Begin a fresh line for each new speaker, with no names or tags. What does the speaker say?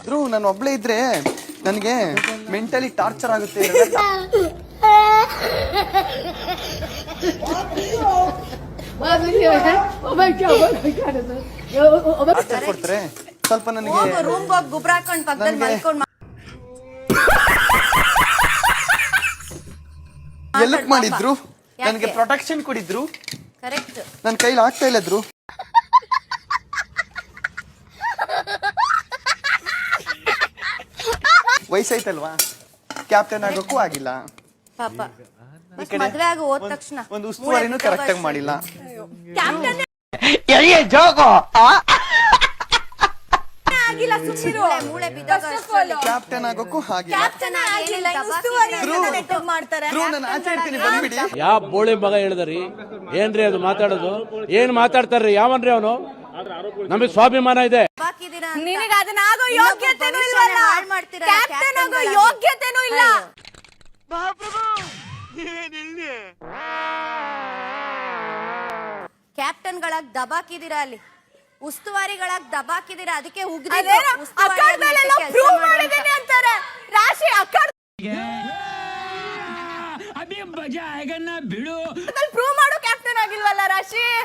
ಧ್ರುವ್ ನಾನು ಒಬ್ಳೆ ಇದ್ರೆ ನನಗೆ ಮೆಂಟಲಿ ಟಾರ್ಚರ್ ಆಗುತ್ತೆ. ಕೊಡ್ತಾರೆ ಸ್ವಲ್ಪ ನನಗೆ
ರೂಮ್ ಗೊಬ್ಬರ ಹಾಕೊಂಡು ಪಕ್ಕದಲ್ಲಿ ಮಲ್ಕೊಂಡು
ಎಲ್ಲಕ್ ಮಾಡಿದ್ರು, ನನಗೆ ಪ್ರೊಟೆಕ್ಷನ್ ಕೊಡಿದ್ರು.
ಕರೆಕ್ಟ್.
ನನ್ನ ಕೈಲಿ ಆಗ್ತಾ ಇಲ್ಲದ್ರು. ವಯಸ್ಸಾಯ್ತಲ್ವಾ, ಕ್ಯಾಪ್ಟನ್ ಆಗೋಕ್ಕೂ ಆಗಿಲ್ಲ.
ಪಾಪ ಮದ್ವೆ ಆಗ ಹೋದ ತಕ್ಷಣ
ಒಂದು ಉಸ್ತುವಾರಿನೂ ಕರೆಕ್ಟ್ ಆಗಿ ಮಾಡಿಲ್ಲ.
ಆಗಿಲ್ಲ, ಸುಮ್ನಿರು. ಮೂಳೆ
ಕ್ಯಾಪ್ಟನ್ ಆಗೋಕ್ಕೂ ಆಗಿಲ್ಲ.
ಕ್ಯಾಪ್ಟನ್ ಆಗಿಲ್ಲ, ಮಾಡ್ತಾರೆ.
ಧ್ರುವ್ ನಾನು ಆಚೆ ಇರ್ತೀನಿ, ಬಂದ್ಬಿಡಿ.
ಯಾವ ಬೋಳಿ ಮಗ ಹೇಳಿದ್ರಿ? ಏನ್ರಿ ಅದು ಮಾತಾಡೋದು? ಏನ್ ಮಾತಾಡ್ತಾರ್ರಿ? ಯಾವನ್ರಿ ಅವನು? ನಮಗೆ ಸ್ವಾಭಿಮಾನ ಇದೆ.
ನಿನಗೆ ಅದನ್ನ ಆಗೋ ಯೋಗ್ಯತೆನೂ ಇಲ್ವಲ್ಲ, ಕ್ಯಾಪ್ಟನ್ ಆಗೋ ಯೋಗ್ಯತೆನೂ ಇಲ್ಲ. ಕ್ಯಾಪ್ಟನ್ಗಳಾಗಿ ದಬಾಕಿದೀರಾ, ಅಲ್ಲಿ ಉಸ್ತುವಾರಿಗಳಾಗಿ ದಬಾಕಿದೀರಾ. ಅದಕ್ಕೆ
ಅಭಿ ಮಜಾ ಆಗ ಬಿಡು.
ಪ್ರೂವ್ ಮಾಡೋ ಕ್ಯಾಪ್ಟನ್ ಆಗಿಲ್ವಲ್ಲ ರಾಶಿ.